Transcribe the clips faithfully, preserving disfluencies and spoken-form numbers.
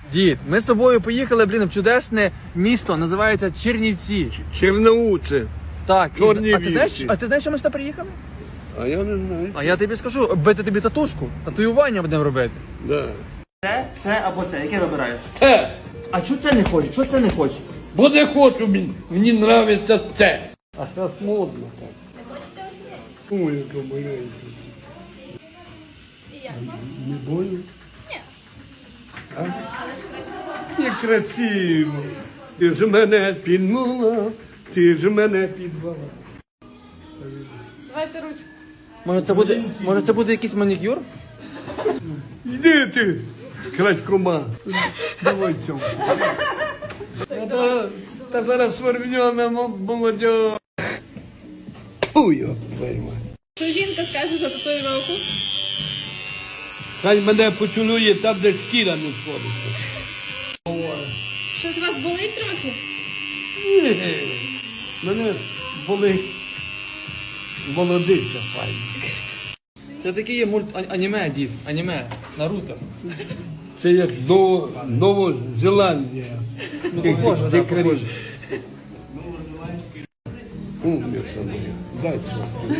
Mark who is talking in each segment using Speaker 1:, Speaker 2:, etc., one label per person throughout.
Speaker 1: Дід, ми з тобою поїхали, блін, в чудесне місто, називається Чернівці.
Speaker 2: Черноуце.
Speaker 1: Так, і,
Speaker 2: Чорнівці.
Speaker 1: а ти знаєш, а ти знаєш, що ми сюди приїхали?
Speaker 2: А я не знаю.
Speaker 1: А я тобі скажу, бити тобі татушку, татуювання будемо робити.
Speaker 2: Да.
Speaker 1: Це, це або це, яке вибираєш?
Speaker 2: Це.
Speaker 1: А чого це не хочеш? Чого це не хочеш?
Speaker 2: Бо не хочу, мені, мені нравиться це. А зараз модно так. Ой, яка маленька. Не больно? Ні. А? Але ж красиво. Не красиво. Ти ж мене підмала, ти ж мене підвала.
Speaker 3: Давайте ручку.
Speaker 1: Може це буде, може це буде якийсь манікюр?
Speaker 2: Йди ти, крадькома. Давай цьому. Та, та зараз свербньона молодь. Фу, йо, твою мать.
Speaker 3: Що жінка скаже за татуїровку?
Speaker 2: Хай мене поцілує там, де шкіра не сходиться.
Speaker 3: Щось у вас болить трохи?
Speaker 2: Ні, мене болить молодиця файна.
Speaker 1: Це такий є мульт а- аніме, дід, аніме, Наруто.
Speaker 2: Це як Ново, Новозеландія.
Speaker 1: Ну, похоже, да, похоже.
Speaker 2: Умниця моя. Дай це.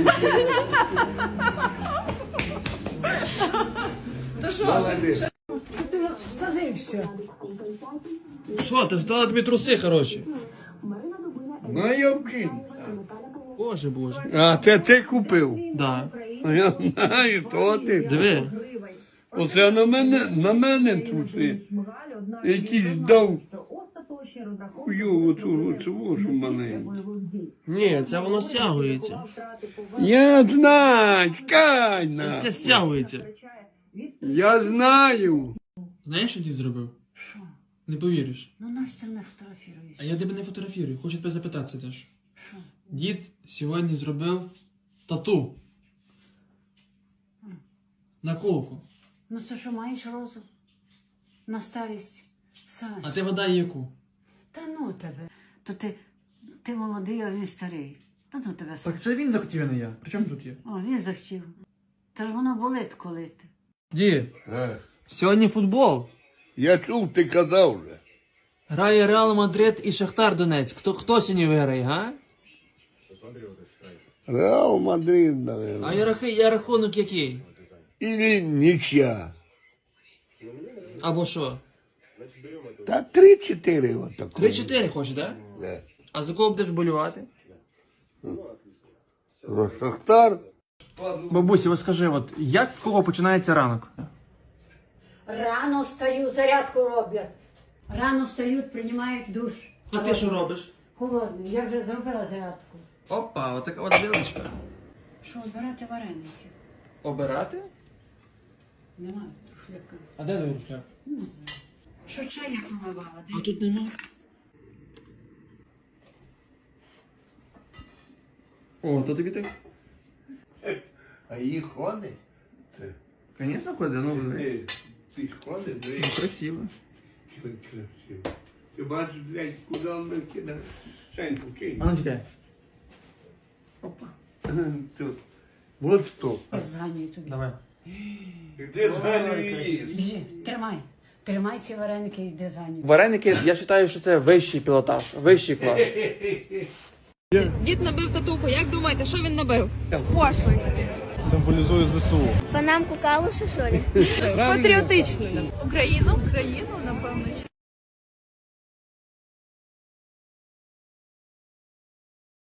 Speaker 3: То що?
Speaker 4: Скажи все.
Speaker 1: Що, ти ж дала тобі труси, хороші?
Speaker 2: Ну, я вкину.
Speaker 1: Боже, боже.
Speaker 2: А це ти купив?
Speaker 1: Да.
Speaker 2: А я знаю, то ти.
Speaker 1: Диви.
Speaker 2: Оце на мене, на мене труси. Якийсь дав хуйову цю оцю маленьку.
Speaker 1: Ні, це воно стягується.
Speaker 2: Я знаю, чекай
Speaker 1: Це,
Speaker 2: на.
Speaker 1: це стягується.
Speaker 2: Я знаю.
Speaker 1: Знаєш, що дід зробив?
Speaker 4: Що?
Speaker 1: Не повіриш.
Speaker 4: Ну наш це не фотографіруєш.
Speaker 1: А я тебе не фотографірую, хочу тебе запитатися теж.
Speaker 4: Що?
Speaker 1: Дід сьогодні зробив тату. На колку.
Speaker 4: Ну це що, маєш розум? На старість? Саш.
Speaker 1: А ти вода яку?
Speaker 4: Та ну тебе. То ти, ти молодий, а він старий. Та ну тебе, Саш.
Speaker 1: Так це він захотів, а не я. При чому тут є?
Speaker 4: О, він захотів. Та ж воно болить, коли ти.
Speaker 1: Дід,
Speaker 2: Е,
Speaker 1: сьогодні футбол.
Speaker 2: Я чув, ти казав вже.
Speaker 1: Грає Реал Мадрид і Шахтар Донецьк. Хто, хто сьогодні виграє, га?
Speaker 2: Реал Мадрид, наверное.
Speaker 1: А я, рахи- я рахунок який?
Speaker 2: Или нічия.
Speaker 1: Або що?
Speaker 2: Та три-чотири отако.
Speaker 1: три-чотири хочеш, так? Да?
Speaker 2: Да.
Speaker 1: А за кого будеш болювати?
Speaker 2: За Шахтар.
Speaker 1: Бабусі, ось скажи, от як в кого починається ранок?
Speaker 4: Рано встаю, зарядку роблять. Рано встають, приймають душ.
Speaker 1: А ти що робиш?
Speaker 4: Холодний. Я вже зробила зарядку.
Speaker 1: Опа, отака от дівчинка.
Speaker 4: Що, обирати вареники?
Speaker 1: Обирати?
Speaker 4: Немає шляка.
Speaker 1: А де твій рушляк?
Speaker 4: Не знаю. Що чай я помивала?
Speaker 1: А тут нема. О, то тобі так?
Speaker 2: А її ходить? Це.
Speaker 1: Звісно, ходить, ну
Speaker 2: Ти, ти ж ходиш,
Speaker 1: ну, красиво.
Speaker 2: красиво. Ти бачиш, блядь, куди він кидає? Шеньку кинь.
Speaker 1: А ну чекай. Опа.
Speaker 2: Тут. Вот що.
Speaker 4: Зганюю тобі.
Speaker 1: Давай.
Speaker 2: Де зганюєш?
Speaker 4: Біжи, тримай. Тримай ці вареники і йди зганюй.
Speaker 1: Вареники, я вважаю, що це вищий пілотаж, вищий клас.
Speaker 3: Дід набив татуху. Як думаєте, що він набив? З пошлості.
Speaker 5: Символізує ЗСУ.
Speaker 6: Панамку калуші, що ли?
Speaker 3: Патріотичною. Україну? Україну, напевно,